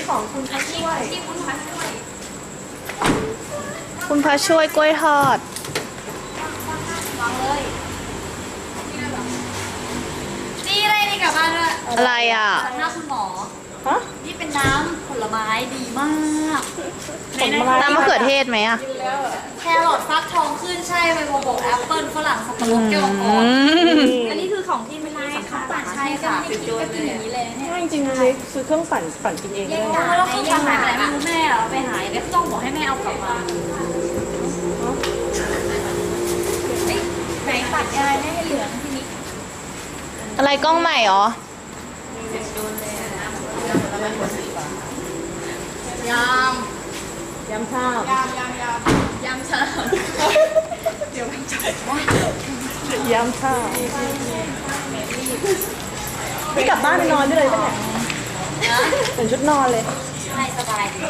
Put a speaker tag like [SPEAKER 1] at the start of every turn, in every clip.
[SPEAKER 1] ของคุณพระช่วย
[SPEAKER 2] ที่คุณพระช่วย
[SPEAKER 3] คุณพระช่วยกล้วยทอด
[SPEAKER 2] วางเลยนี่อะไรนี่กลับบ้านด้วย
[SPEAKER 3] อะไรอ่ะ
[SPEAKER 2] หน้าคุณหมอ
[SPEAKER 1] ฮะ
[SPEAKER 2] นี่เป็นน้ำผลไม้ดีมาก
[SPEAKER 1] ผลไม้
[SPEAKER 3] น้ำมะเขือเทศไหมอ่ะ
[SPEAKER 2] แครอทฟักทองขึ้นใช่ใบบัวบกแอปเปิ้ลฝรั่งสับปะรดแก้วอ่อน
[SPEAKER 1] อันนี้คือของที่ไม่ได้ค่ะ
[SPEAKER 2] ใช่ค่ะฟิวโดนเลยอย่างนี้เลยเนี่ย
[SPEAKER 1] ง่ายจริงๆเลยซื้อเครื่องปั่นกินเองได้
[SPEAKER 2] แล้วเขาทำอะไรไม่รู้แม่เอาไปหายแล้วต้องบอกให้แม่เอากลับมาไหนตัดอะไรไม่ให้เหลืองทีนี้
[SPEAKER 3] อะไรกล้องใหม่เหรอ
[SPEAKER 2] ย
[SPEAKER 1] ยำข้าวย
[SPEAKER 2] ำเชิญ
[SPEAKER 1] ยำข้าวไม่กลับบ้านไปนอนได้เลยปะเนี่ยเป็นชุดนอนเลย
[SPEAKER 2] ใช่สบายดี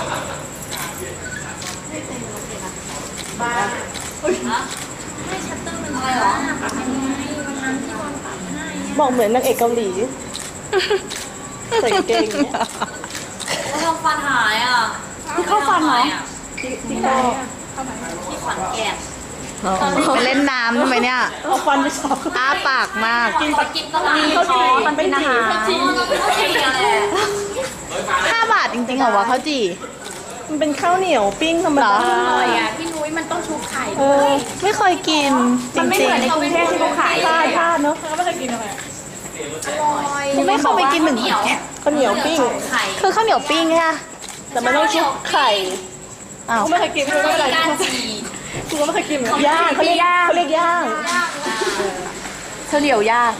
[SPEAKER 2] บ้านไม่ชัตเตอร์มันอะไรหรอวันนั้นที่วันตัดให้
[SPEAKER 1] บอกเหมือนนางเอกเกาหลีใส่กางเกงอย่างเงี้ย
[SPEAKER 2] เขาทำฟันหายอ่ะ
[SPEAKER 1] ที่เข้าฟันเหรอที่ไหน
[SPEAKER 2] ที่ขอนแก่น
[SPEAKER 3] ไปเล่นน้ำทำไมเนี่ย
[SPEAKER 1] เอาฟันไปสอบ
[SPEAKER 3] อ้าปากมาก
[SPEAKER 2] กินตลาด
[SPEAKER 1] เขาจีมันเป็นอาหาร
[SPEAKER 2] เราไม่ใช่อะไร
[SPEAKER 3] 5 บาทจริงๆเหรอวะข้าวจี่
[SPEAKER 1] มันเป็นข้าวเหนียวปิ้งธรรมดา
[SPEAKER 3] เหรอ
[SPEAKER 2] อร่อยอ่ะพี่นุ้ยมันต้องชุบไข่
[SPEAKER 1] เออ
[SPEAKER 3] ไม่เคยกินจ
[SPEAKER 1] มันไม่
[SPEAKER 3] ริ
[SPEAKER 1] เห
[SPEAKER 3] ง
[SPEAKER 1] มือนในกรุงเทพที่เขาขายพลาดเนาะ
[SPEAKER 2] อร่อย
[SPEAKER 3] ๆไม่เคยไปกินหนึ่ง
[SPEAKER 2] เหนียว
[SPEAKER 1] ข้าวเหนียวปิ้ง
[SPEAKER 2] ไข่
[SPEAKER 3] คือข้าวเหนียวปิ้งใช่ไหม
[SPEAKER 1] แต่มันต้องชุบไข่
[SPEAKER 3] อ้าว
[SPEAKER 1] ไม่เคยกินไม่เป็นไร
[SPEAKER 2] ก้านจี
[SPEAKER 1] กูก็ไม่เคยกินย่างเขาเรียกย่าง
[SPEAKER 3] ข้าวเหนียวย่าง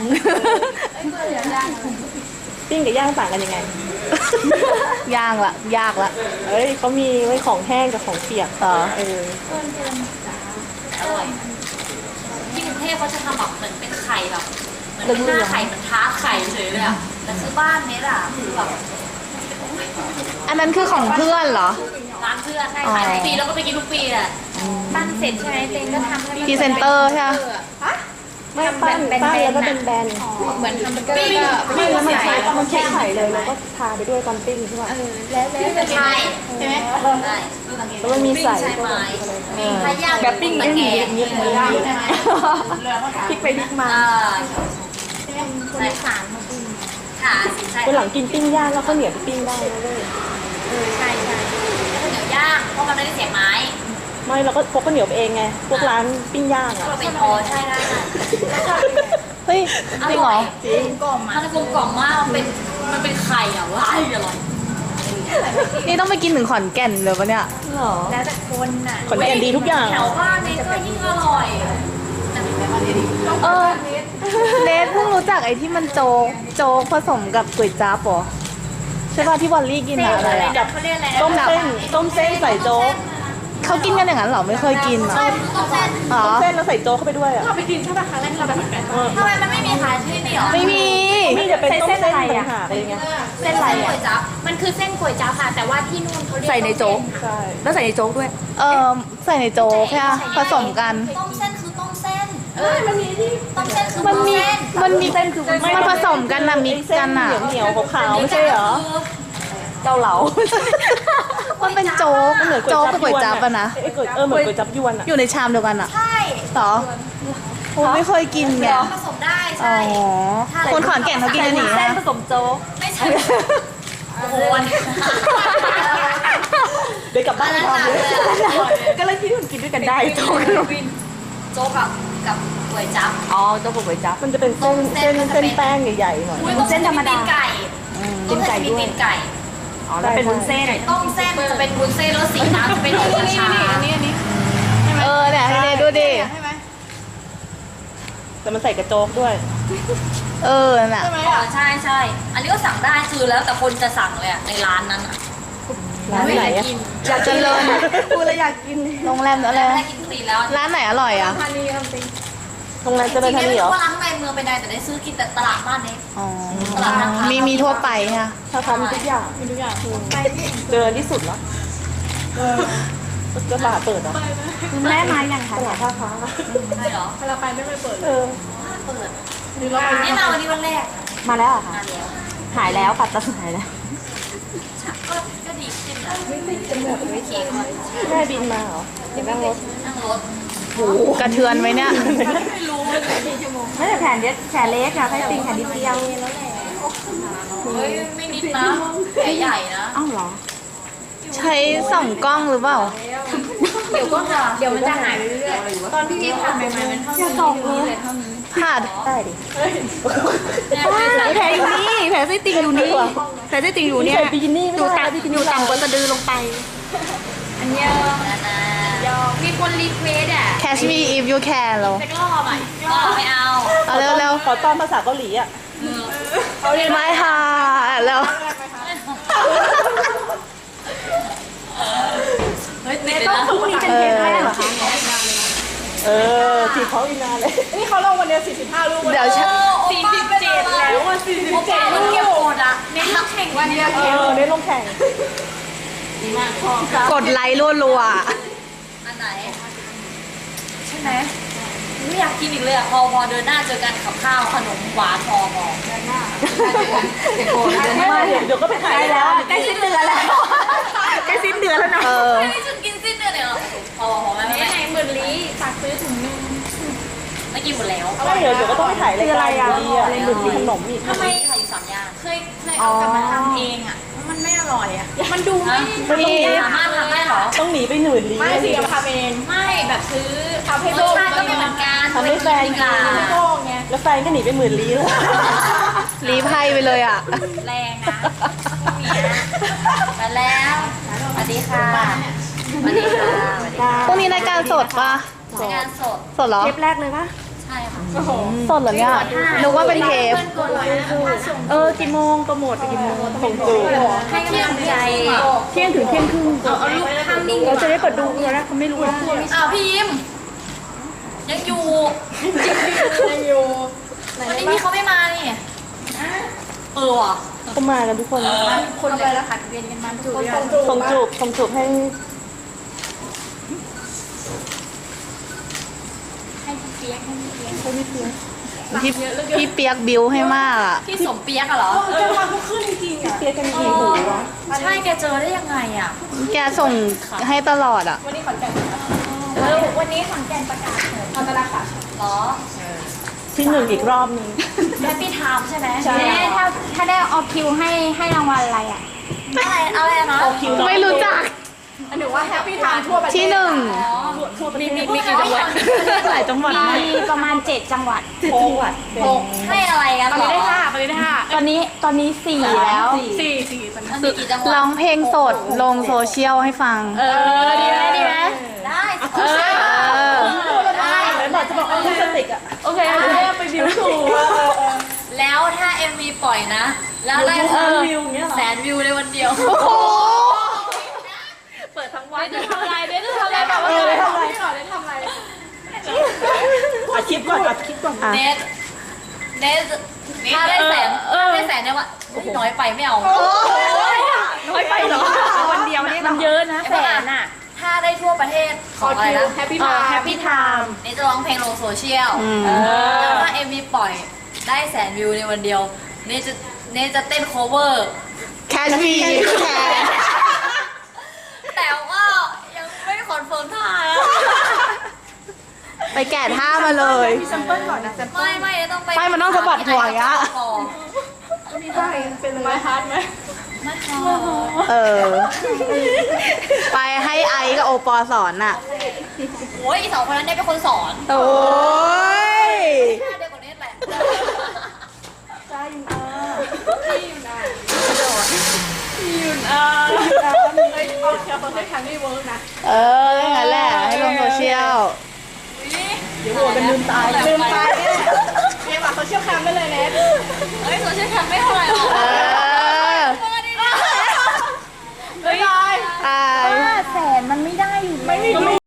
[SPEAKER 1] ปิ้งกับย่างต่างกันยังไง
[SPEAKER 3] ย่างละยากละ
[SPEAKER 1] เอ้ยเขามีไว้ของแห้งกับของเปียก
[SPEAKER 3] เหรอ
[SPEAKER 1] เออ
[SPEAKER 2] อร่อยที่กรุงเทพเขาจะทำแบบเหมือนเป็นไข่แบบเหมือนเป็นหน้าไข่เหมือนทาร์ตไข่เฉยเลยอ่ะแต่คือบ้านเนี้ยอ่ะคือแบบ
[SPEAKER 3] อันนั้นคือของเพื่อนเหรอ
[SPEAKER 2] ร้านเพื่อนใช่ขายทุกปีแล้วก็ไปกินทุกปีแหละปั้นเสร็จใช่ไหมเต็งก็ทำให้
[SPEAKER 3] พรีเซนเตอร์ใช่ไหม
[SPEAKER 1] ไม่ปั้นแล้วก็เป็นแบน
[SPEAKER 2] เหมือนทำเบอร์เกอร์
[SPEAKER 1] ไม่แล้วมันใช้ไข่เลยแล้วก็ทาไปด้วยตอนปิ้งใช่ป่ะ
[SPEAKER 2] ใช่ใช่ไหมใช่
[SPEAKER 1] แล้วมันมีใส่
[SPEAKER 2] ใช่ไหมมีพายางแบบปิ้งตะแกรง
[SPEAKER 1] เงี้ยหมูย่างใช่ไหมพลิกไปพลิกมา
[SPEAKER 2] ใส่ขานมาปิ้งขาสิใช่
[SPEAKER 1] วันหลังกินปิ้งย่างแล้วข้าวเหนียวปิ้งได้นะเว้ย
[SPEAKER 2] ใช่ใช่ข้าวเหนียวย่างเพราะมันไม่ได้เสียบไม้
[SPEAKER 1] ไม่เราก็พกข้าวเหนียวไปเองไงพวกร้านปิ้งย่างอ่ะ
[SPEAKER 2] เราเป็นพอใช่ได้
[SPEAKER 3] เฮ้ยจริงเหรอ
[SPEAKER 1] จริง
[SPEAKER 2] กล่อมมันกลมกล่อมมากมันเป็นไข่อ่ะว้ายอร่อย
[SPEAKER 3] นี่ต้องไปกินถึงขอนแก่นเลยปะเนี่ย
[SPEAKER 1] เหรอ
[SPEAKER 2] แล้วแต่คนน่ะ
[SPEAKER 1] ขอนแก่นดีทุกอย่าง
[SPEAKER 2] แถวบ้านนี่ก็ยิ่งอร่อยแต่ในบ้านนี่ดี
[SPEAKER 3] เออเนทเพิ่งรู้จักไอ้ที่มันโจ๊กผสมกับก๋วยจั๊บเหรอใช่ป่ะที่วอลลี่กินอะอะไรอะ
[SPEAKER 2] เขาเรียกอะไร
[SPEAKER 1] ต้มเส้นใส่โจ๊ก
[SPEAKER 3] เขากินกันอย่างนั้นเหรอไม่เคยกินเหรอ
[SPEAKER 2] ต้มเส้น
[SPEAKER 3] อ๋อ
[SPEAKER 1] ต้มเส้นแล้วใส่โจ๊กเข้าไปด้วยอ่ะ
[SPEAKER 2] ทำไมมันไม่มีขายที่นี่หรอ
[SPEAKER 3] ไม่มี
[SPEAKER 1] นี่จะเป็นต้มเส้นต่างหากอะไรเงี้ย
[SPEAKER 2] เส้นอะไรก๋วยจั๊บมันคือเส้นก๋วยจั๊บค่ะแต่ว่าที่นู่นเขาเรียก
[SPEAKER 3] ใส่ในโจ๊ก
[SPEAKER 1] ใช่
[SPEAKER 3] แล้วใส่ในโจ๊กด้วยใส่ในโจ๊กใช่ไหมผสมกัน
[SPEAKER 2] ต้มเส้นคือต้มเส้นมันมีที่ต้มเส้นคือ
[SPEAKER 3] มันมี
[SPEAKER 2] ต้เส้น
[SPEAKER 3] มันมีมันผสมกันนะมิกซ์กันอะ
[SPEAKER 1] เหนียวขาวไม่ใช่เหรอ
[SPEAKER 3] เกาเหลามันเป็นโจ๊กโจ๊กกับก๋วยจั๊บอะนะ
[SPEAKER 1] ไอ้ก๋วยเหมือนก๋วยจั๊บยวนอ่ะ
[SPEAKER 3] อยู่ในชามเดียวกันอะ
[SPEAKER 2] ใช่
[SPEAKER 3] เหรอผมไม่เคยกินไง
[SPEAKER 2] ผสมได้
[SPEAKER 3] อ๋
[SPEAKER 2] ใช่
[SPEAKER 3] อคนขอนแก่นเขากินอันนี้
[SPEAKER 2] เส้น
[SPEAKER 3] นะ
[SPEAKER 2] ผสมโจ๊กไม่ใช่โอ้โห
[SPEAKER 1] เดี๋ยวกลับบ้านไปทำเลย
[SPEAKER 3] ก็เลยคิดว่ากินด้วยกันได้โจ๊ก
[SPEAKER 2] โจ๊กกับก๋วยจั๊บ
[SPEAKER 3] อ๋อโจ๊กกับก๋วยจั๊บ
[SPEAKER 1] มันจะเป็นเส้นแป้งใหญ่ๆหน่อย
[SPEAKER 2] เส้นธรรมดาตีนไก่
[SPEAKER 3] ตีนไก่ด้วย
[SPEAKER 2] ตีนไก่
[SPEAKER 3] อ๋อแล้วเป็นวุ้นเส้น
[SPEAKER 2] ต้มเส้นจะเป็นวุ้นเส้นแล้วสีน้ำจะเป็นสีชา
[SPEAKER 3] เนี่ยให้เนดูดิ
[SPEAKER 1] แต่มันใส่กระโจ๊กด้วย
[SPEAKER 3] น่ะ
[SPEAKER 2] ใช่ใช่อันนี้ก็สั่งได้คือแล้วแต่คนจะสั่งเลยอะในร้านนั้นอะ
[SPEAKER 1] ร้านไหนอ่ะ
[SPEAKER 3] อยากเจริญ
[SPEAKER 1] กูเลยอยากกิน
[SPEAKER 3] โรงแรมอะไร
[SPEAKER 2] ไม่ได้กินฟรีแล้ว
[SPEAKER 3] ร้านไหนอร่อยอ่ะ
[SPEAKER 1] โรงแรมเจ
[SPEAKER 2] จ
[SPEAKER 1] ริ
[SPEAKER 2] ริ
[SPEAKER 1] ญ
[SPEAKER 2] งๆ
[SPEAKER 1] ธา
[SPEAKER 2] ไม่
[SPEAKER 1] นีเหร
[SPEAKER 2] รู้
[SPEAKER 1] อ
[SPEAKER 2] ว่าร้านในเมืองเป็นไงแต่ได้ซื้อกินแต่ตลาดบ้านเนี้
[SPEAKER 3] อ๋อ
[SPEAKER 2] ตลาดนัด
[SPEAKER 3] มีทั่วไปค่ะ
[SPEAKER 1] ถ้าทำทุกอย่างเจริญที่สุดแล้วตลาดเปิดเหรอ
[SPEAKER 3] แม่มาอย่าง
[SPEAKER 1] ตลาดท่าค้า
[SPEAKER 2] ใช่เหรอ
[SPEAKER 1] เออ
[SPEAKER 2] เปิดนี่มาวันนี้วันแรก
[SPEAKER 3] มาแล้วเหรอคะ
[SPEAKER 2] มาแล้ว
[SPEAKER 3] หายแล้วปัดตะหายแล้ว
[SPEAKER 2] ก็จิ้มนะไม่เค้กมัน
[SPEAKER 1] แม่บินมาเหรอเดี๋ยวนั่งรถ
[SPEAKER 2] นั่งรถ
[SPEAKER 3] กระเทือนไหมเนี่ย
[SPEAKER 2] ไม่รู้เลย
[SPEAKER 1] ไม่แต่แขนเล็กอะแค่ติ่งแขนนิดเดียว
[SPEAKER 2] เฮ้ยไม่นิดนะแผลใหญ่นะ
[SPEAKER 1] อ้าวเหรอ
[SPEAKER 3] ใช้ส่องกล้องหรือเปล่า
[SPEAKER 2] เดี๋ยวก็หาเดี๋ยวมันจะหายไปเรื่อยๆตอนที่ผ่านใหม่ๆมันเท่านี้เลยเท่านี้
[SPEAKER 3] ผ่า
[SPEAKER 1] ได้ดิ
[SPEAKER 2] แผลอยู่
[SPEAKER 1] แผลไส้ติ่งอยู่นี่แผลไส้ติ่งอยู่เนี่ยบิกินี่ไม่ได้อยู่ต่ำกว่าสะดือลงไป
[SPEAKER 2] อันเนี้ยมีคนรีเควสอ่ะ
[SPEAKER 3] Catch me if you can เหรอ
[SPEAKER 2] สักรอบอ่ะไม่เอา
[SPEAKER 3] เอาเร็ว
[SPEAKER 1] ขอตอนภาษาเกาหลีอะ
[SPEAKER 3] ๆไม่ค่ะแล้ว
[SPEAKER 2] เฮ้ยติด
[SPEAKER 1] ต้อง
[SPEAKER 2] นะ
[SPEAKER 1] ฝึกนี่เป็นเทปแรกเหรอคะจีบเขาอีกนานเลย นี่เขาลงวันเดียว45 ลูก
[SPEAKER 3] เดี๋ยวฉัน
[SPEAKER 2] 47แล้วอ่ะ47มันเก็บกดอ่ะเน้นแข่งวันเดียว
[SPEAKER 1] ได้ลงแข่ง
[SPEAKER 3] กดไลค์รัวๆอะ
[SPEAKER 2] อันไหนใช่ไหมไม่อยากกินอีกเลยอ่ะพอเดินหน้าเจอกันกับข้าวขนมหวานพอเดินหน้า
[SPEAKER 1] ไม่เดี๋ยวก็ไปขายแล้วใกล้สิ้นเดือนแล้วใกล้สิ้นเดือนแล้วนะ
[SPEAKER 2] ไม่ได้ฉันกินสิ้นเดือนเลยเหรอพอไหมไม่ไหนหมื่นลี้ฝากซื้อถุงนึงไม่กินหมดแล้ว
[SPEAKER 1] ไม่เดี๋ยวก็ต้องไปถ่ายรายการดีอะหรือมีขนมอีก
[SPEAKER 2] ทำไมขายอยู่3 อย่างเคยเอากลับมาทำเองอ่ะมันไม่อร่อยอ่ะมันดูไม่สามารถทำได้หรอ
[SPEAKER 1] ต้องหนีไปหนื่นลี้
[SPEAKER 4] ไม่สิเอาทำเอง
[SPEAKER 2] ไม่แบบซื้อ
[SPEAKER 4] ทำให้
[SPEAKER 2] ร
[SPEAKER 4] โล
[SPEAKER 2] ส
[SPEAKER 4] ก
[SPEAKER 2] ชาติก็ไม่เหมือนกัน
[SPEAKER 1] ทำให้แฟน
[SPEAKER 2] ดีกว่า
[SPEAKER 4] โลกไง
[SPEAKER 1] แล้วแฟนก็หนีไปหมื่นลี้เลย
[SPEAKER 3] รีไพ่ไปเลยอ่ะ
[SPEAKER 2] แรงนะไปแล้วสวัสดีค่ะสวัสดีค่ะสวัสดีค่ะ
[SPEAKER 3] พรุ่งนี้รายการสดปะ
[SPEAKER 2] รายการสด
[SPEAKER 3] สดเหรอ
[SPEAKER 1] เทปแรกเลยปะ
[SPEAKER 2] ใช่ค่ะ
[SPEAKER 3] สดเหรอเนี่ยนึกว่าเป็นเทป
[SPEAKER 1] กี่โมงโปรโมทไปกี่โมงส่งจู
[SPEAKER 2] ให้กำลังใจ
[SPEAKER 1] เที่ยงถึงเที่ยงครึ่ง
[SPEAKER 2] เอาลูกข้างนิ่ง
[SPEAKER 1] เราจะได้เปิดดูเลยนะเขาไม่รู้ว่า
[SPEAKER 2] อ้าวพี่ยิมยังอยู่
[SPEAKER 4] ยังอยู่
[SPEAKER 2] วันนี้พี่เขาไม่มานี่ว่ะ
[SPEAKER 1] เขามากันทุกคน
[SPEAKER 4] คนเลยแล้วผัดเวียนกันมาทุกคน
[SPEAKER 1] ส่งจูบให้
[SPEAKER 2] ให้พี่เปียกให้พี่เปียก
[SPEAKER 3] พี่เปียกบิวให้มากอ่ะ
[SPEAKER 2] พี่สมเปียกอะเหรอ
[SPEAKER 4] จะมาทุกขึ้นจริงๆอ่ะ
[SPEAKER 1] เปียกกันกี่หูวะ
[SPEAKER 2] ใช่แกเจอได้ยังไงอ่ะ
[SPEAKER 3] แกส่งให้ตลอดอ่ะ
[SPEAKER 4] วันนี้ขอนแก่น
[SPEAKER 2] วันนี้ขอนแก่นประกาศ
[SPEAKER 4] ทำตลาดค่ะ
[SPEAKER 2] เหรอ
[SPEAKER 1] ที่1อีกรอบนึง
[SPEAKER 2] แฮปปี้ไทม์ใช่ไหม
[SPEAKER 1] ใช่
[SPEAKER 4] ถ้าได้เอาคิวให้รางวัลอะไรอ่ะ
[SPEAKER 2] อะไรนะ
[SPEAKER 3] ไม่รู้จัก
[SPEAKER 4] หรือว่าแฮปปี้ไทม์ทั่วประเทศ
[SPEAKER 3] ที่หนึ่ง
[SPEAKER 2] มีกี่จังหวัด
[SPEAKER 3] หลายจังหวัดมาก
[SPEAKER 4] มีประมาณ7จังหวัด
[SPEAKER 2] ให้อะไรกัน
[SPEAKER 4] ตอนนี้ได้5ตอนนี้4แล้ว
[SPEAKER 2] มันมีกี่จังหวัด
[SPEAKER 3] ร้องเพลงสดลงโซเชียลให้ฟัง
[SPEAKER 4] ดีไหม
[SPEAKER 2] ได้ได้
[SPEAKER 1] ไหนบอกจะบอกเอาลิปสติกอะ
[SPEAKER 4] โอเคไปบิวถูก
[SPEAKER 2] แล้วถ้า MV ปล่อยนะ แล้วได้
[SPEAKER 1] วิวอย่างเงี้ยเหรอ
[SPEAKER 2] 100,000 วิวในวันเดียว
[SPEAKER 4] เปิดทั้งวันจะทำอะไรแบบว่าได้ทำอะไร
[SPEAKER 1] อัดคลิปก่อนอัดคลิปก่อน
[SPEAKER 2] เนสถ้าได้แสนเนี่ยว่าน้อยไปไม่เอา
[SPEAKER 4] น้อยไปเหรอวันเดียวเนี่ยมันเยอะนะแสนอ่ะ
[SPEAKER 2] ถ้าได้ทั่วประเทศของอะไรนะ
[SPEAKER 4] แฮปปี้ไทม์
[SPEAKER 2] นี่จะร้องเพลงลงโซเชียล
[SPEAKER 3] ม
[SPEAKER 2] แล้วถ้า MV ปล่อยได้100,000 วิวในวันเดียวนี่จะเต้น cover
[SPEAKER 3] Catch me if you can
[SPEAKER 2] แต่ว่ายังไม่คอนเฟิร์มท่านะ
[SPEAKER 3] ไปแกะท่ามาเลย
[SPEAKER 4] มีแซมเปิลก่อนนะแซมเปิล
[SPEAKER 2] ไม่ต้องไป
[SPEAKER 3] ไม่มันต้องสะบัดหัวอย่างเงี้ย
[SPEAKER 4] มีได้เป็นไม้ฮาร์ดไหม
[SPEAKER 2] ไม่พอ
[SPEAKER 3] เออ ไปให้ไอซ์กับโอปอสอนอ่ะ
[SPEAKER 2] โอ้ยอี2 คนนั้นเนี่ยเป็นคนสอน
[SPEAKER 3] โอ้ย
[SPEAKER 2] ท่าเดียวกับเนสแหละ
[SPEAKER 4] เอาแค่คนให้ครั้งนี้เวิร์กนะ
[SPEAKER 3] เอออย่างนั้นแหละ ให้ลงโซเชียล
[SPEAKER 1] เดี๋ยวโหวตกันลืมตาย
[SPEAKER 4] ลืมไปเนี่ยเกมอ่ะเขาเชี่ยวชาญได้เลยเน็ต
[SPEAKER 2] เฮ้ยโซเชียลแคมไม่เท่าไหร่หรอก
[SPEAKER 3] เออ
[SPEAKER 4] บ๊ายบาย
[SPEAKER 3] ตาย
[SPEAKER 4] แสนมันไม่ได้อยู่ไม่มี